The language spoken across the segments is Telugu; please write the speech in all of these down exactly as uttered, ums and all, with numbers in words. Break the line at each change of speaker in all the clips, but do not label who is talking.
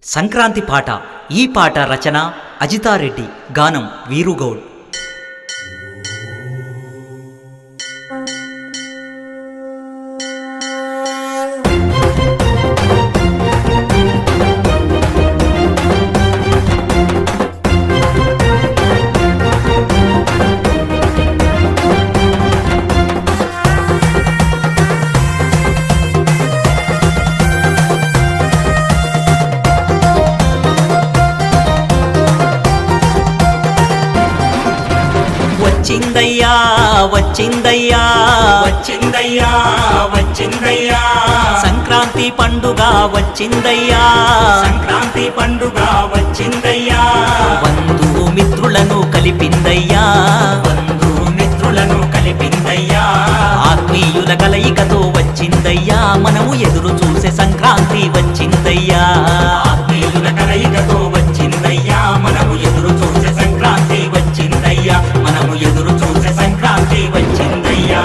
సంక్రాంతి పాట. ఈ పాట రచన అజితారెడ్డి, గానం వీరుగౌడ్. వచ్చిందయ్యా వచ్చిందయ్యా
వచ్చిందయ్యా వచ్చిందయ్యా
సంక్రాంతి పండుగ వచ్చిందయ్యా,
సంక్రాంతి పండుగ వచ్చిందయ్యా
బంధువు మిత్రులను కలిపిందయ్యా,
బంధువు మిత్రులను కలిపిందయ్యా
ఆత్మీయుల కలయికతో వచ్చిందయ్యా, మనము ఎదురు చూసే సంక్రాంతి వచ్చిందయ్యా,
ఆత్మీయుల కలయికతో వచ్చిందయ్యా మనము ఎదురు చూసే సంక్రాంతి వచ్చిందయ్యా, మనము ఎదురు చూసే సంక్రాంతి వచ్చిందయ్యా.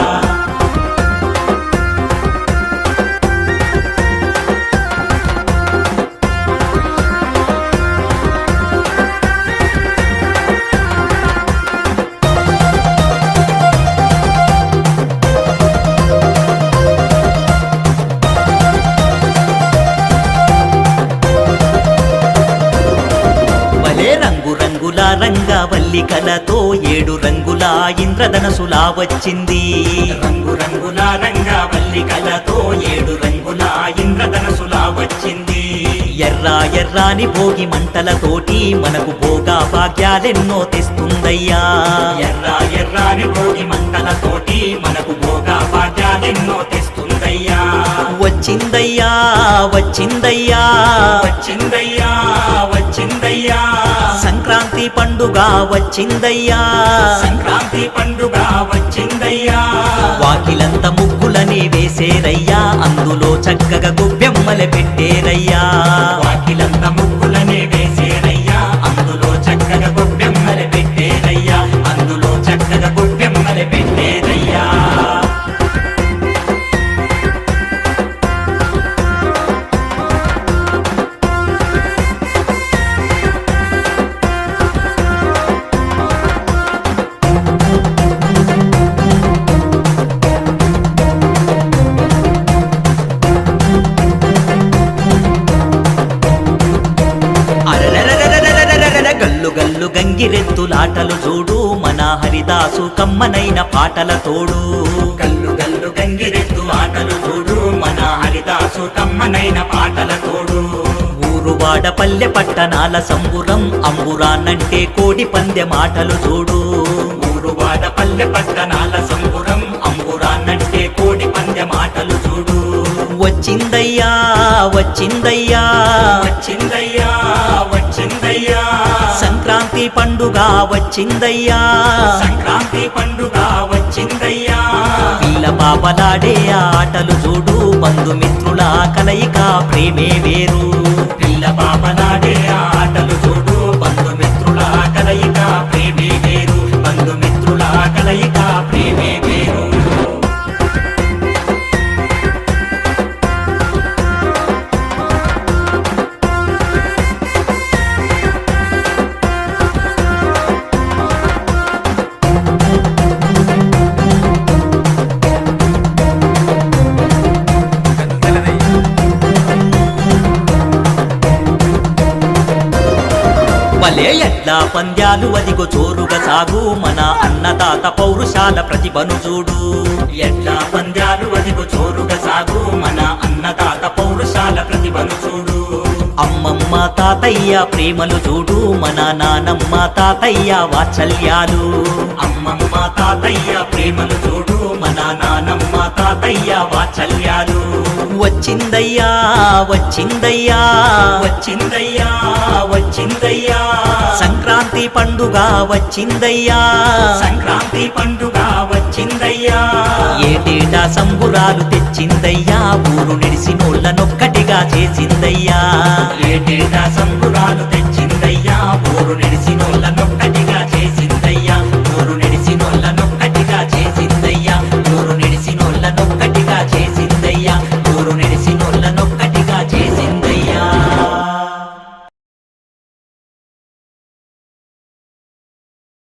రంగు రంగుల రంగవల్లికలతో ఏడు రంగుల ఇంద్రధనసులా వచ్చింది,
రంగు రంగుల రంగవల్లికలతో ఏడు రంగుల ఇంద్రధనసులా వచ్చింది.
ఎర్ర ఎర్రాని భోగి మంటలతోటి మనకు భోగా భాగ్యాలెన్నో తెస్తుందయ్యా,
ఎర్ర ఎర్రాని భోగి మంటలతోటి మనకు భోగా భాగ్యాలెన్నో తెస్తుందయ్యా.
వచ్చిందయ్యా వచ్చిందయ్యా
వచ్చిందయ్యా వచ్చిందయ్యా
సంక్రాంతి పండుగ వచ్చిందయ్యా,
సంక్రాంతి పండుగ వచ్చిందయ్యా.
వాకిలంత ముగ్గులని వేసేరయ్యా, అందులో చక్కగా గొబ్బెమ్మల పెట్టేరయ్యా,
వాకిలంత ముగ్గులనే వేసేరయ్యా, అందులో చక్కగా గొబ్బెమ్మల పెట్టేరయ్యా, అందులో చక్కగా గొబ్బెమ్మల పెట్టేరయ్యా.
గల్లు గల్లు గంగిరెద్దులాటలు చూడు, మన హరిదాసు కమ్మనైన పాటల తోడు,
గల్లు గల్లు గంగిరెద్దు ఆటలు చూడు, మన హరిదాసు కమ్మనైన పాటల తోడు.
ఊరువాడ పల్లె పట్టణాల సంబురం, అంబురాన్నంటే కోడి పందె మాటలు చూడు,
ఊరువాడ పల్లె పట్టణాల సంబురం, అంబురాన్నంటే కోడి పందె మాటలు చూడు.
వచ్చిందయ్యా వచ్చిందయ్యా
వచ్చిందయ్యా వచ్చిందయ్యా
సంక్రాంతి పండుగ వచ్చిందయ్యా,
సంక్రాంతి పండుగ వచ్చిందయ్యా.
పిల్ల పాపలాడే ఆటలు చూడు, బంధుమిత్రుల కలయిక ప్రేమే వేరు,
పిల్ల పాపలాడే ఆటలు చూడు, బంధుమిత్రుల కలయిక ప్రేమే వేరు, బంధుమిత్రుల కలయిక ప్రేమే వేరు.
భలే ఎట్లా పంద్యాలు అదిగో చోరుగా సాగు, మన అన్నదాత పౌరుషాల ప్రతిభను చూడు,
ఎట్లా పంద్యాలు అదిగో చోరుగా సాగు, మన అన్నదాత పౌరుషాల ప్రతిభను చూడు.
అమ్మమ్మ తాతయ్య ప్రేమలు చూడు, మన నానమ్మ తాతయ్య వాత్సల్యాలు,
అమ్మమ్మ తాతయ్య ప్రేమలు చూడు, మన నానమ్మ తాతయ్య వాత్సల్యాలు.
వచ్చిందయ్యా వచ్చిందయ్యా
వచ్చిందయ్యా వచ్చిందయ్యా
సంక్రాంతి పండుగ వచ్చిందయ్యా,
సంక్రాంతి పండుగ వచ్చిందయ్యా.
ఏటేటా సంబురాలు తెచ్చిందయ్యా, ఊరు నిడిసినోళ్ళనొక్కటిగా చేసిందయ్యా,
ఏటేటా సంబురాలు తెచ్చిందయ్యా, ఊరు నిడిసినోళ్ళను